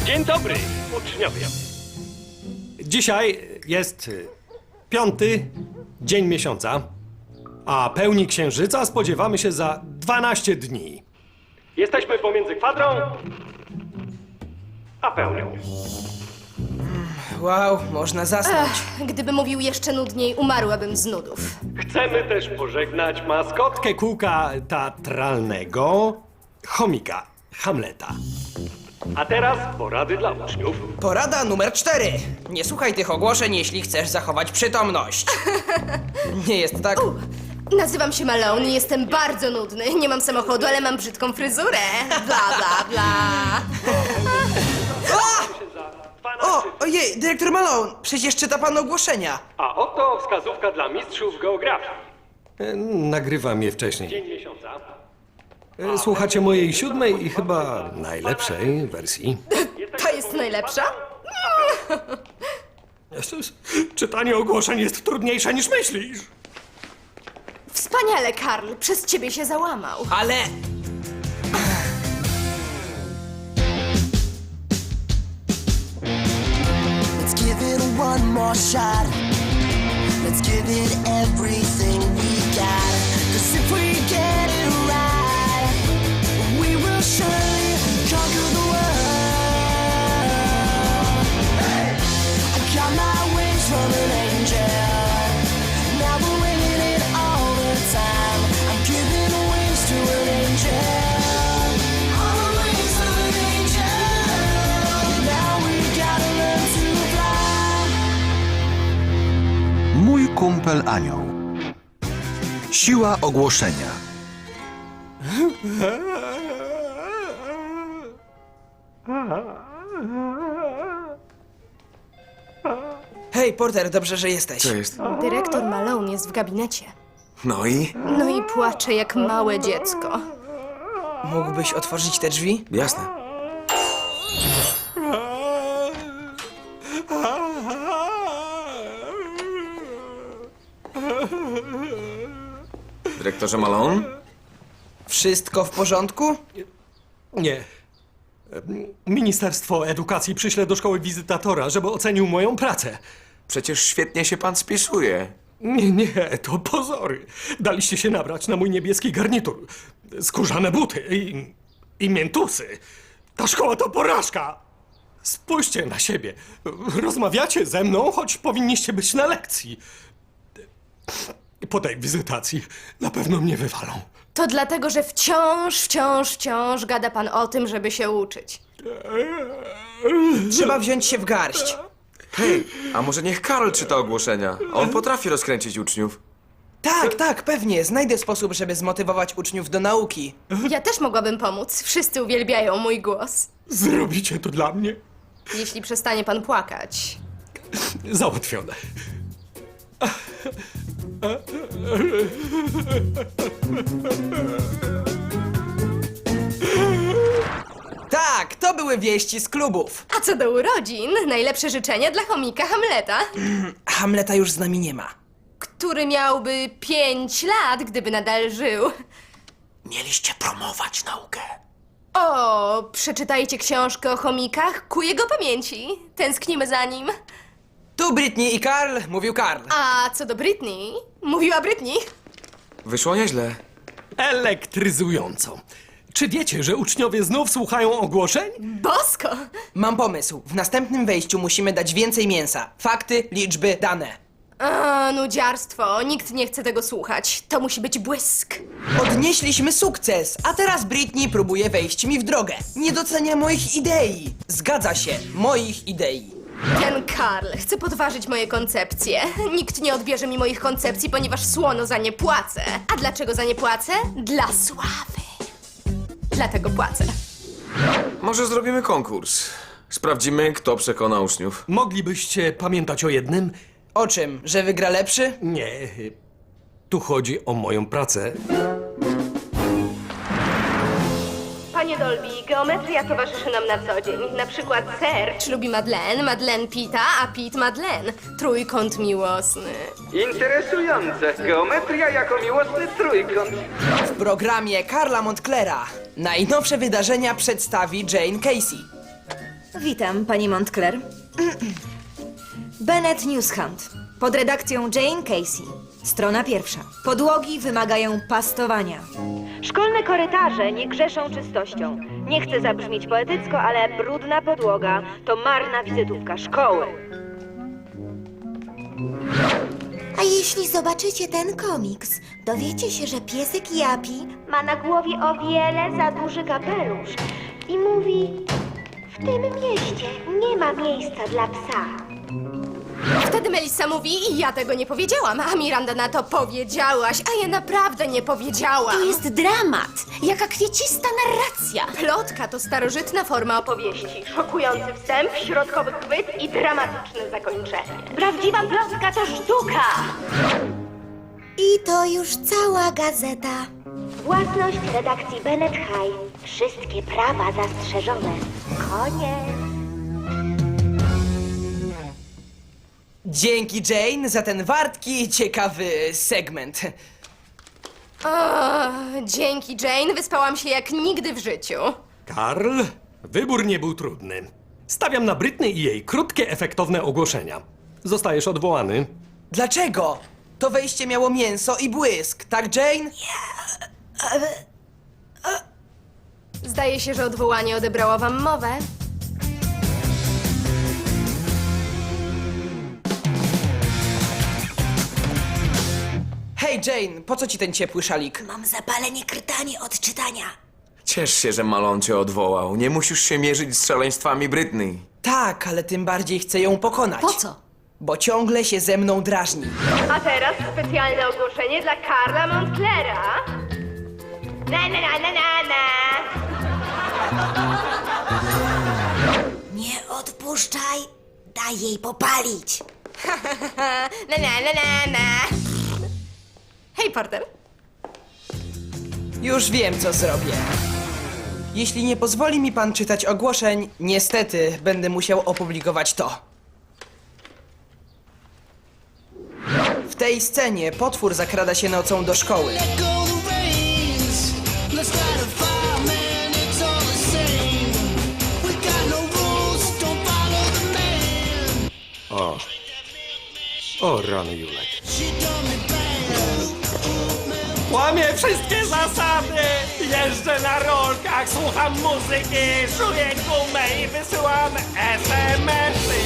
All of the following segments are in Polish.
Dzień dobry, uczniowie. Dzisiaj jest 5. dzień miesiąca, a pełni księżyca spodziewamy się za 12 dni. Jesteśmy pomiędzy kwadrą a pełnią. Wow, można zasnąć. Gdyby mówił jeszcze nudniej, umarłabym z nudów. Chcemy też pożegnać maskotkę kółka teatralnego, chomika Hamleta. A teraz porady dla uczniów. Porada numer 4. Nie słuchaj tych ogłoszeń, jeśli chcesz zachować przytomność. Nie jest tak? Nazywam się Malone i jestem bardzo nudny. Nie mam samochodu, ale mam brzydką fryzurę. Bla, bla, bla. Ojej, dyrektor Malone, przecież czyta pan ogłoszenia. A oto wskazówka dla mistrzów geografii. Nagrywam je wcześniej. Dzień miesiąca. Słuchacie mojej 7. i chyba najlepszej wersji. To jest najlepsza? Czytanie ogłoszeń jest trudniejsze niż myślisz. Wspaniale, Karl. Przez ciebie się załamał. Ale... Let's give it one more shot. Let's give it everything we got. 'Cause if we get it right, we will surely conquer the world. I got my wings from an angel. Now we're winning it all the time. I'm giving wings to an angel. All the wings of an angel. Now we gotta learn to fly. Mój kumpel anioł. Siła ogłoszenia. Hej, Porter, dobrze, że jesteś. Co jest? Dyrektor Malone jest w gabinecie. No i? No i płacze jak małe dziecko. Mógłbyś otworzyć te drzwi? Jasne. Dyrektorze Malone? Wszystko w porządku? Nie. Ministerstwo Edukacji przyśle do szkoły wizytatora, żeby ocenił moją pracę. Przecież świetnie się pan spisuje. Nie, to pozory. Daliście się nabrać na mój niebieski garnitur. Skórzane buty i miętusy. Ta szkoła to porażka. Spójrzcie na siebie. Rozmawiacie ze mną, choć powinniście być na lekcji. Po tej wizytacji na pewno mnie wywalą. To dlatego, że wciąż gada pan o tym, żeby się uczyć. Trzeba wziąć się w garść. Hej, a może niech Karol czyta ogłoszenia? On potrafi rozkręcić uczniów. Tak, pewnie. Znajdę sposób, żeby zmotywować uczniów do nauki. Ja też mogłabym pomóc. Wszyscy uwielbiają mój głos. Zrobicie to dla mnie? Jeśli przestanie pan płakać. Załatwione. Tak, to były wieści z klubów. A co do urodzin, najlepsze życzenia dla chomika Hamleta, Hamleta już z nami nie ma. który miałby 5 lat, gdyby nadal żył. Mieliście promować naukę. O, przeczytajcie książkę o chomikach ku jego pamięci. Tęsknimy za nim. Tu Britney i Karl, mówił Karl. A co do Britney, mówiła Britney. Wyszło nieźle. Elektryzująco. Czy wiecie, że uczniowie znów słuchają ogłoszeń? Bosko! Mam pomysł. W następnym wejściu musimy dać więcej mięsa. Fakty, liczby, dane. A, nudziarstwo, nikt nie chce tego słuchać. To musi być błysk. Odnieśliśmy sukces, a teraz Britney próbuje wejść mi w drogę. Nie docenia moich idei. Zgadza się, moich idei. Ten Karl chce podważyć moje koncepcje. Nikt nie odbierze mi moich koncepcji, ponieważ słono za nie płacę. A dlaczego za nie płacę? Dla sławy. Dlatego płacę. Może zrobimy konkurs. Sprawdzimy, kto przekona uczniów. Moglibyście pamiętać o jednym? O czym? Że wygra lepszy? Nie. Tu chodzi o moją pracę. Panie Dolby, geometria towarzyszy nam na co dzień. Na przykład Serge lubi Madeleine, Madeleine Pita, a Pete Madeleine. Trójkąt miłosny. Interesujące. Geometria jako miłosny trójkąt. W programie Karla Montclera najnowsze wydarzenia przedstawi Jane Casey. Witam, pani Montclair. Bennett News Hunt. Pod redakcją Jane Casey. Strona pierwsza. Podłogi wymagają pastowania. Szkolne korytarze nie grzeszą czystością. Nie chcę zabrzmieć poetycko, ale brudna podłoga to marna wizytówka szkoły. A jeśli zobaczycie ten komiks, dowiecie się, że piesek Japi ma na głowie o wiele za duży kapelusz i mówi: w tym mieście nie ma miejsca dla psa. Wtedy Melissa mówi i ja tego nie powiedziałam, a Miranda na to powiedziałaś, a ja naprawdę nie powiedziałam. To jest dramat, jaka kwiecista narracja. Plotka to starożytna forma opowieści. Szokujący wstęp, środkowy chwyt i dramatyczne zakończenie. Prawdziwa plotka to sztuka. I to już cała gazeta. Własność redakcji Bennett High. Wszystkie prawa zastrzeżone. Koniec. Dzięki Jane za ten wartki i ciekawy segment. O, dzięki Jane, wyspałam się jak nigdy w życiu. Karl, wybór nie był trudny. Stawiam na Britney i jej krótkie, efektowne ogłoszenia. Zostajesz odwołany. Dlaczego? To wejście miało mięso i błysk, tak Jane? Zdaje się, że odwołanie odebrało wam mowę. Hej Jane, po co ci ten ciepły szalik? Mam zapalenie krtani od czytania. Ciesz się, że Malone cię odwołał. Nie musisz się mierzyć z szaleństwami Britney. Tak, ale tym bardziej chcę ją pokonać. Po co? Bo ciągle się ze mną drażni. A teraz specjalne ogłoszenie dla Karla Montclaira. Na na na na na na. Nie odpuszczaj. Daj jej popalić. Na na na na na. Hej, Porter. Już wiem, co zrobię. Jeśli nie pozwoli mi pan czytać ogłoszeń, niestety będę musiał opublikować to. W tej scenie potwór zakrada się nocą do szkoły. O, rany Julek. Łamię wszystkie zasady! Jeżdżę na rolkach, słucham muzyki, szuję gumę i wysyłam SMS-y.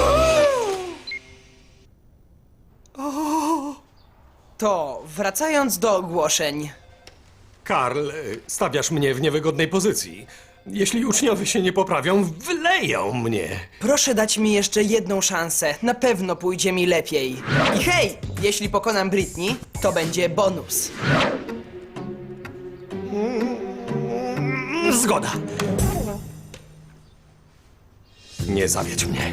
To, wracając do ogłoszeń. Karl, stawiasz mnie w niewygodnej pozycji. Jeśli uczniowie się nie poprawią, wyleją mnie. Proszę dać mi jeszcze jedną szansę. Na pewno pójdzie mi lepiej. I hej, jeśli pokonam Britney, to będzie bonus. Zgoda. Nie zawiedź mnie.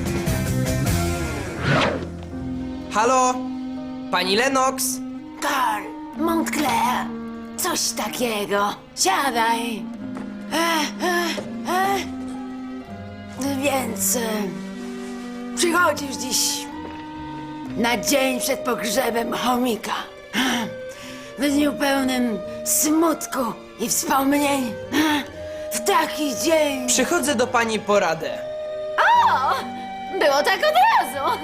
Halo? Pani Lennox? Karl, Montclair, coś takiego. Siadaj. Więc przychodzisz dziś na dzień przed pogrzebem chomika. W dniu pełnym smutku i wspomnień. W taki dzień. Przychodzę do pani po radę. Było tak od razu.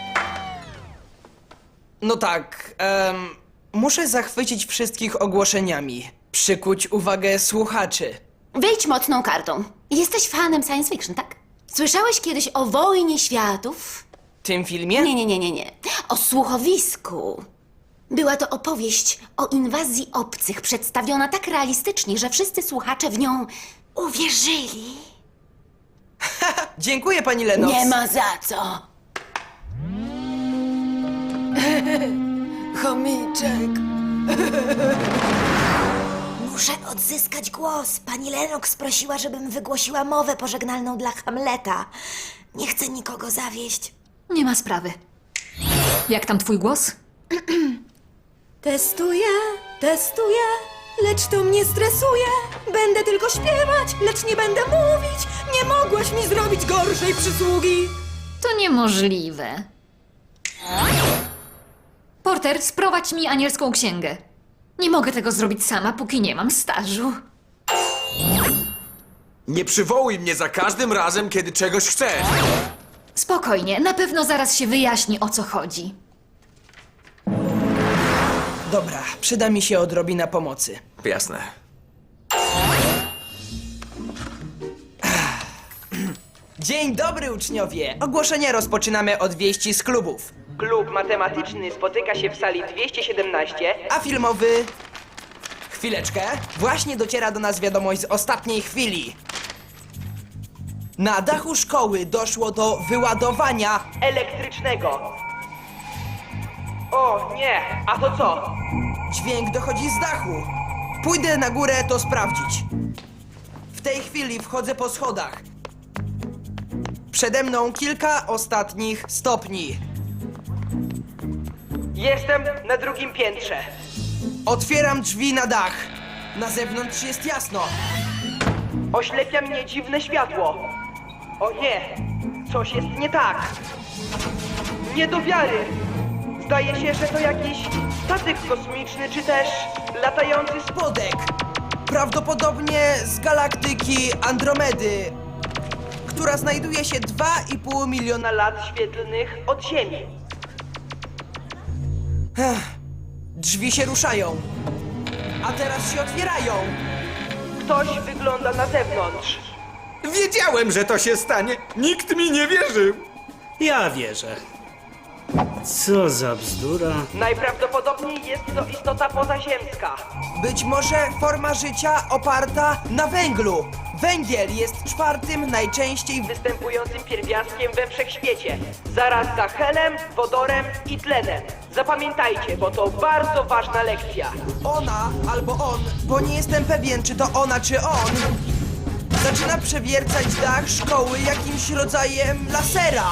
No tak, muszę zachwycić wszystkich ogłoszeniami. Przykuć uwagę słuchaczy. Wyjdź mocną kartą. Jesteś fanem science fiction, tak? Słyszałeś kiedyś o Wojnie Światów? Tym filmie? Nie. O słuchowisku. Była to opowieść o inwazji obcych, przedstawiona tak realistycznie, że wszyscy słuchacze w nią uwierzyli. Dziękuję pani Lennox. Nie ma za co. Chomiczek. Muszę odzyskać głos. Pani Lennox prosiła, żebym wygłosiła mowę pożegnalną dla Hamleta. Nie chcę nikogo zawieść. Nie ma sprawy. Jak tam twój głos? Testuję, lecz to mnie stresuje. Będę tylko śpiewać, lecz nie będę mówić. Nie mogłaś mi zrobić gorszej przysługi. To niemożliwe. Porter, sprowadź mi anielską księgę. Nie mogę tego zrobić sama, póki nie mam stażu. Nie przywołuj mnie za każdym razem, kiedy czegoś chcesz. Spokojnie, na pewno zaraz się wyjaśni, o co chodzi. Dobra, przyda mi się odrobina pomocy. Jasne. Dzień dobry, uczniowie! Ogłoszenia rozpoczynamy od wieści z klubów. Klub matematyczny spotyka się w sali 217, a filmowy... Chwileczkę. Właśnie dociera do nas wiadomość z ostatniej chwili. Na dachu szkoły doszło do wyładowania elektrycznego. O nie, a to co? Dźwięk dochodzi z dachu. Pójdę na górę to sprawdzić. W tej chwili wchodzę po schodach. Przede mną kilka ostatnich stopni. Jestem na drugim piętrze. Otwieram drzwi na dach. Na zewnątrz jest jasno. Oślepia mnie dziwne światło. O nie, coś jest nie tak. Nie do wiary. Zdaje się, że to jakiś statek kosmiczny, czy też latający spodek. Prawdopodobnie z galaktyki Andromedy, która znajduje się 2,5 miliona lat świetlnych od Ziemi. Drzwi się ruszają, a teraz się otwierają. Ktoś wygląda na zewnątrz. Wiedziałem, że to się stanie. Nikt mi nie wierzył. Ja wierzę. Co za bzdura. Najprawdopodobniej jest to istota pozaziemska. Być może forma życia oparta na węglu. Węgiel jest czwartym najczęściej występującym pierwiastkiem we wszechświecie. Zaraz za helem, wodorem i tlenem. Zapamiętajcie, bo to bardzo ważna lekcja. Ona albo on, bo nie jestem pewien, czy to ona, czy on, zaczyna przewiercać dach szkoły jakimś rodzajem lasera.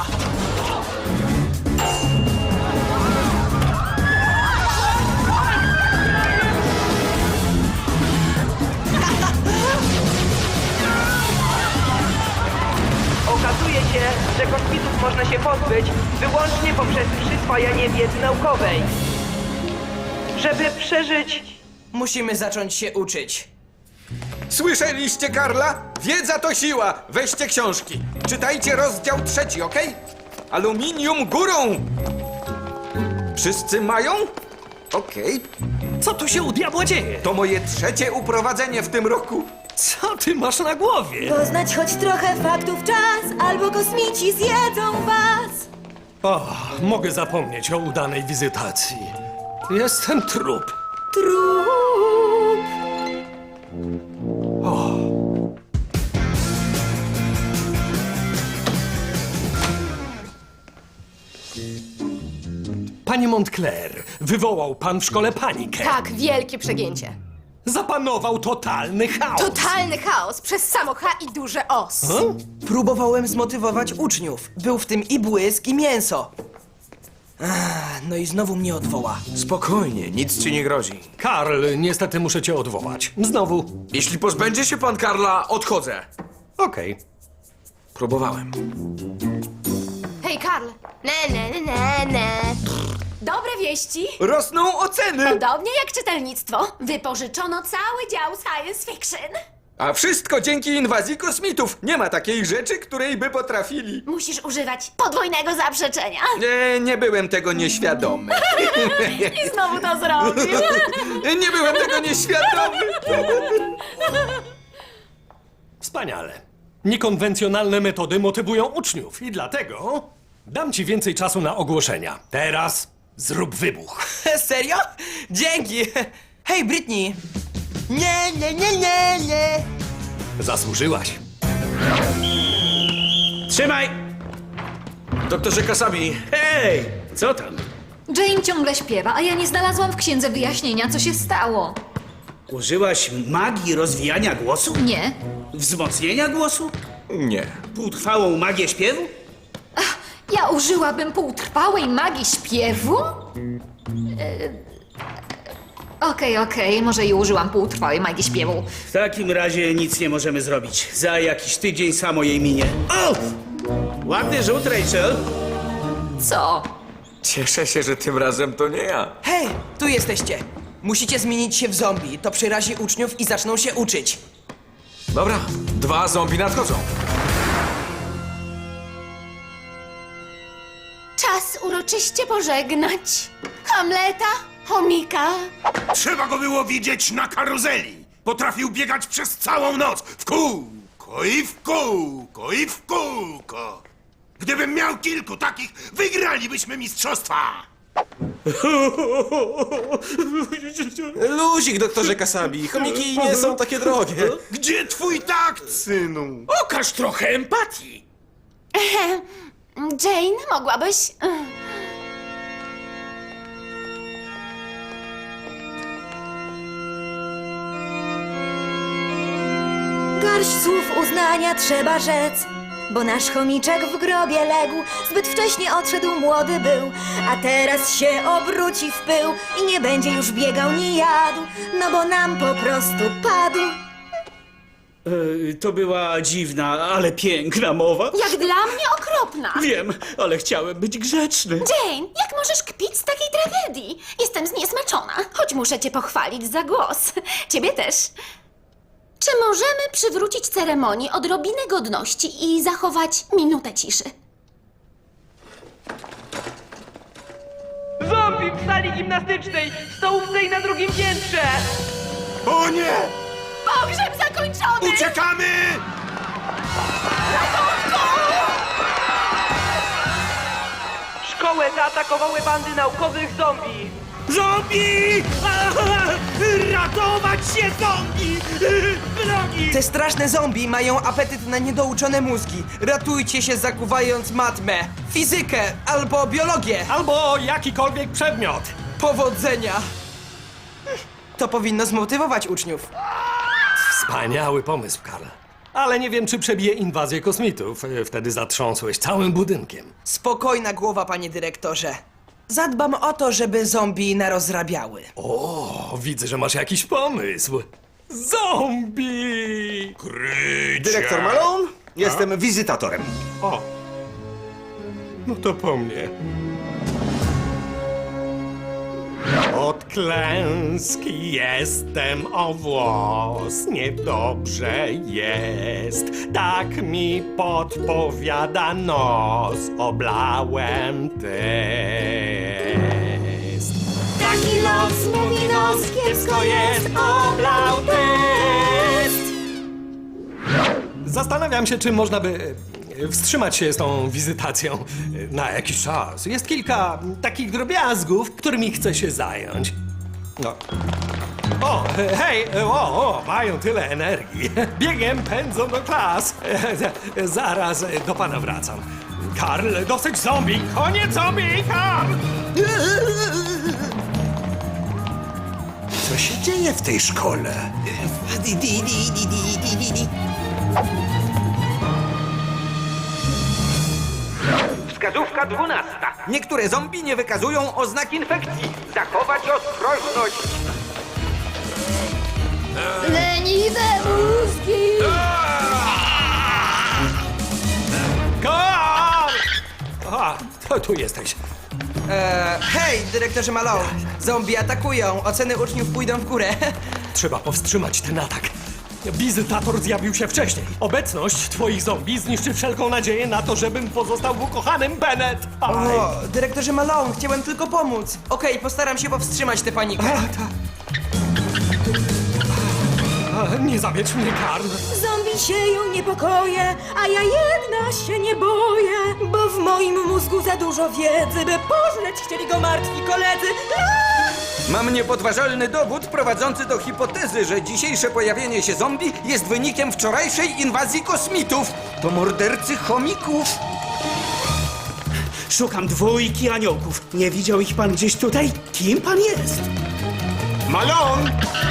Okazuje się, że kosmitów można się pozbyć wyłącznie poprzez przyswajanie wiedzy naukowej. Żeby przeżyć, musimy zacząć się uczyć. Słyszeliście, Karla? Wiedza to siła. Weźcie książki. Czytajcie rozdział 3, okej? Aluminium górą. Wszyscy mają? Okej. Co tu się u diabła dzieje? To moje 3. uprowadzenie w tym roku. Co ty masz na głowie? Poznać choć trochę faktów czas, albo kosmici zjedzą was. O, mogę zapomnieć o udanej wizytacji. Jestem trup. Trup. Panie Montclair, wywołał pan w szkole panikę. Tak, wielkie przegięcie. Zapanował totalny chaos. Totalny chaos przez samo H i duże os. Próbowałem zmotywować uczniów. Był w tym i błysk, i mięso. No i znowu mnie odwoła. Spokojnie, nic ci nie grozi. Karl, niestety muszę cię odwołać. Znowu. Jeśli pozbędzie się pan Karla, odchodzę. Okej. Próbowałem. Hej, Karl. Ne. Dobre wieści. Rosną oceny! Podobnie jak czytelnictwo, wypożyczono cały dział science fiction. A wszystko dzięki inwazji kosmitów. Nie ma takiej rzeczy, której by potrafili. Musisz używać podwójnego zaprzeczenia. Nie byłem tego nieświadomy. I znowu to zrobił. Nie byłem tego nieświadomy. Wspaniale. Niekonwencjonalne metody motywują uczniów i dlatego dam ci więcej czasu na ogłoszenia. Teraz zrób wybuch. Serio? Dzięki! Hej, Britney! Nie! Zasłużyłaś. Trzymaj! Doktorze Kasabi, Hej! Co tam? Jane ciągle śpiewa, a ja nie znalazłam w księdze wyjaśnienia, co się stało. Użyłaś magii rozwijania głosu? Nie. Wzmocnienia głosu? nie. Półtrwałą magię śpiewu? Ja użyłabym półtrwałej magii śpiewu? Okej, może i użyłam półtrwałej magii śpiewu. W takim razie nic nie możemy zrobić. Za jakiś tydzień samo jej minie. O! Ładny rzut, Rachel. Co? Cieszę się, że tym razem to nie ja. Hej, tu jesteście! Musicie zmienić się w zombie. To przerazi uczniów i zaczną się uczyć. Dobra, 2 zombie nadchodzą. Czas uroczyście pożegnać Hamleta, chomika. Trzeba go było widzieć na karuzeli. Potrafił biegać przez całą noc w kółko i w kółko i w kółko. Gdybym miał kilku takich, wygralibyśmy mistrzostwa. Luzik, doktorze Kasabi. Chomiki nie są takie drogie. Gdzie twój takt, synu? Okaż trochę empatii. Jane, mogłabyś... Garść słów uznania trzeba rzec, bo nasz chomiczek w grobie legł. Zbyt wcześnie odszedł, młody był, a teraz się obróci w pył i nie będzie już biegał ni jadł, no bo nam po prostu padł. To była dziwna, ale piękna mowa. Jak dla mnie okropna. Wiem, ale chciałem być grzeczny. Jane, jak możesz kpić z takiej tragedii? Jestem zniesmaczona, choć muszę cię pochwalić za głos. Ciebie też. Czy możemy przywrócić ceremonii odrobinę godności i zachować minutę ciszy? Zombie w sali gimnastycznej, w stołówce i na drugim piętrze! O nie! Pogrzeb zakończony! Uciekamy! Szkołę zaatakowały bandy naukowych zombie! Zombie! Ratować się, zombie! Drogi! Te straszne zombie mają apetyt na niedouczone mózgi. Ratujcie się, zakuwając matmę, fizykę albo biologię. Albo jakikolwiek przedmiot. Powodzenia! To powinno zmotywować uczniów. Wspaniały pomysł, Karl. Ale nie wiem, czy przebije inwazję kosmitów. Wtedy zatrząsłeś całym budynkiem. Spokojna głowa, panie dyrektorze. Zadbam o to, żeby zombie narozrabiały. O, widzę, że masz jakiś pomysł. Zombie! Dyrektor Malone? Jestem wizytatorem. O, no to po mnie. Od klęski jestem o włos, niedobrze jest, tak mi podpowiada nos, oblałem test. Taki los, mówi nos, kiepsko jest, oblał test. Zastanawiam się, czy można by wstrzymać się z tą wizytacją na jakiś czas. Jest kilka takich drobiazgów, którymi chcę się zająć. No. O, hej, mają tyle energii. Biegiem pędzą do klas. Zaraz do pana wracam. Karl, dosyć zombie! Koniec zombie, Karl! Co się dzieje w tej szkole? Wskazówka 12. Niektóre zombie nie wykazują oznak infekcji. Zachować ostrożność. Leniwe mózgi! Karl! A, to tu jesteś. Hej, dyrektorze Malone. Zombie atakują. Oceny uczniów pójdą w górę. Trzeba powstrzymać ten atak. Wizytator zjawił się wcześniej. Obecność twoich zombie zniszczy wszelką nadzieję na to, żebym pozostał w ukochanym Bennett. Aj. O, dyrektorze Malone, chciałem tylko pomóc. Okej, postaram się powstrzymać tę panikę. Nie zawiedź mnie, Karl. Zombie sieją niepokoje, a ja jedna się nie boję, bo w moim mózgu za dużo wiedzy, by pożreć chcieli go martwi koledzy. Mam niepodważalny dowód prowadzący do hipotezy, że dzisiejsze pojawienie się zombie jest wynikiem wczorajszej inwazji kosmitów. To mordercy chomików. Szukam 2 aniołków. Nie widział ich pan gdzieś tutaj? Kim pan jest? Malone!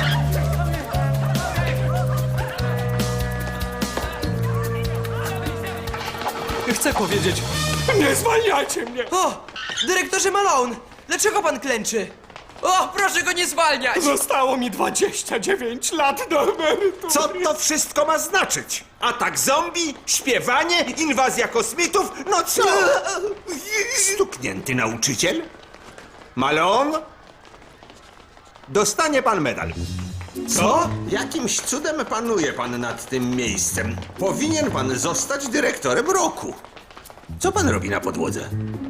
Chcę powiedzieć, nie zwalniajcie mnie! O, dyrektorze Malone, dlaczego pan klęczy? O, proszę go nie zwalniać! Zostało mi 29 lat do emerytury. Co to wszystko ma znaczyć? Atak zombie, śpiewanie, inwazja kosmitów, no co? Stuknięty nauczyciel? Malone? Dostanie pan medal. Co? Jakimś cudem panuje pan nad tym miejscem. Powinien pan zostać dyrektorem roku. Co pan robi na podłodze?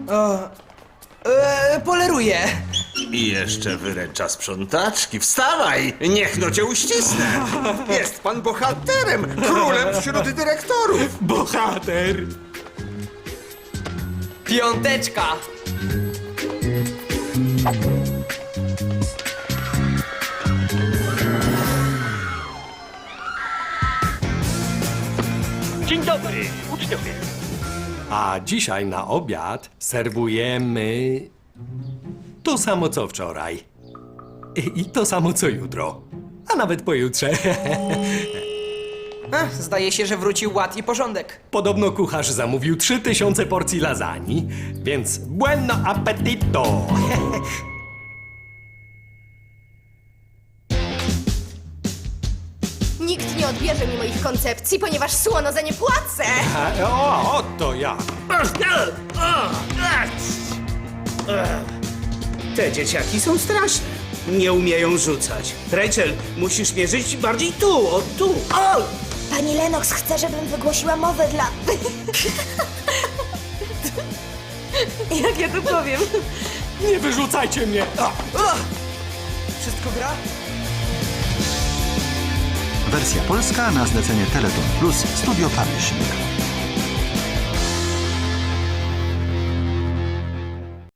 Poleruję. I jeszcze wyręcza sprzątaczki. Wstawaj! Niech no cię uścisnę! Jest pan bohaterem! Królem wśród dyrektorów! Bohater! Piąteczka. Dzień dobry, uczniowie! A dzisiaj na obiad serwujemy to samo co wczoraj. I to samo co jutro. A nawet pojutrze. Zdaje się, że wrócił ład i porządek. Podobno kucharz zamówił 3000 porcji lasagne, więc buon appetito! Nikt nie odbierze mi moich koncepcji, ponieważ słono za nie płacę. O, to ja. Te dzieciaki są straszne. Nie umieją rzucać. Rachel, musisz mierzyć bardziej tu, o tu. O! Pani Lennox chce, żebym wygłosiła mowę dla... Jak ja to powiem? Nie wyrzucajcie mnie! Wszystko gra? Wersja polska na zlecenie Teleton Plus Studio Publishing.